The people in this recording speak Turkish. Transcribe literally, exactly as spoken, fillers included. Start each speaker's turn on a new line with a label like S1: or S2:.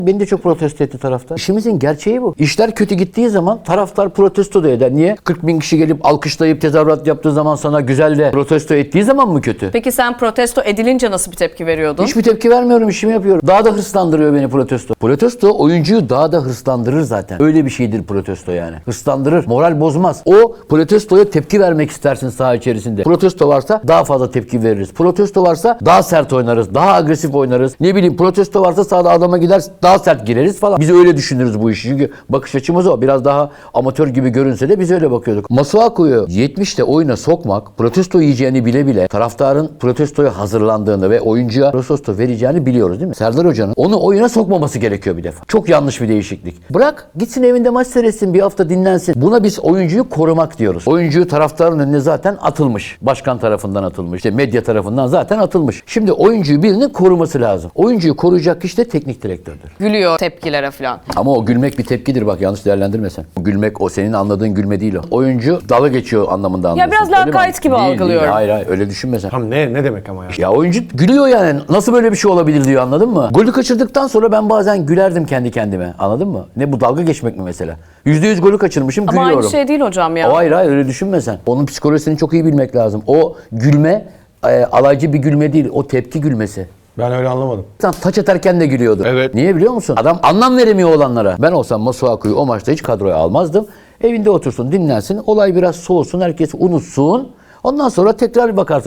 S1: Beni de çok protesto etti taraftar. İşimizin gerçeği bu. İşler kötü gittiği zaman taraftar protesto da eder. Niye? kırk bin kişi gelip alkışlayıp tezahürat yaptığı zaman sana güzel de protesto ettiği zaman mı kötü?
S2: Peki sen protesto edilince nasıl bir tepki veriyordun?
S1: Hiçbir tepki vermiyorum, işimi yapıyorum. Daha da hırslandırıyor beni protesto. Protesto oyuncuyu daha da hırslandırır zaten. Öyle bir şeydir protesto yani. Hırslandırır, moral bozmaz. O protestoya tepki vermek istersin saha içerisinde. Protesto varsa daha fazla tepki veririz. Protesto varsa daha sert oynarız, daha agresif oynarız. Ne bileyim protesto varsa sahada adama gider daha sert gireriz falan. Biz öyle düşünürüz bu işi. Çünkü bakış açımız o. Biraz daha amatör gibi görünse de biz öyle bakıyorduk. Masuaku'yu yetmişte oyuna sokmak, protesto yiyeceğini bile bile taraftarın protestoya hazırlandığını ve oyuncuya protesto vereceğini biliyoruz değil mi? Serdar Hoca'nın onu oyuna sokmaması gerekiyor bir defa. Çok yanlış bir değişiklik. Bırak gitsin evinde maç seyretsin, bir hafta dinlensin. Buna biz oyuncuyu korumak diyoruz. Oyuncuyu taraftarın önüne zaten atılmış. Başkan tarafından atılmış. İşte medya tarafından zaten atılmış. Şimdi oyuncuyu birinin koruması lazım. Oyuncuyu koruyacak kişi de teknik direktördür.
S2: Gülüyor tepkilere falan.
S1: Ama o gülmek bir tepkidir bak, yanlış değerlendirme sen. O gülmek o senin anladığın gülme değil o. Oyuncu dalga geçiyor anlamında anlıyorsun.
S2: biraz
S1: Öyle mi?
S2: lakayt gibi
S1: Değil,
S2: algılıyorum.
S1: Değil, hayır hayır öyle düşünme sen.
S3: Tam ne ne demek ama ya?
S1: Ya oyuncu gülüyor yani. Nasıl böyle bir şey olabilir diyor, anladın mı? Golü kaçırdıktan sonra ben bazen gülerdim kendi kendime. Anladın mı? Ne bu, dalga geçmek mi mesela? yüzde yüz golü kaçırmışım,
S2: Ama
S1: gülüyorum.
S2: aynı şey değil hocam ya.
S1: O hayır hayır öyle düşünme sen. Onun psikolojisini çok iyi bilmek lazım. O gülme e, alaycı bir gülme değil. O tepki gülmesi.
S3: Ben öyle anlamadım.
S1: Sen taç atarken de gülüyordu.
S3: Evet.
S1: Niye biliyor musun? Adam anlam veremiyor olanlara. Ben olsam Masuaku'yu o maçta hiç kadroya almazdım. Evinde otursun, dinlensin, olay biraz soğusun, herkes unutsun. Ondan sonra tekrar bir bakarsın.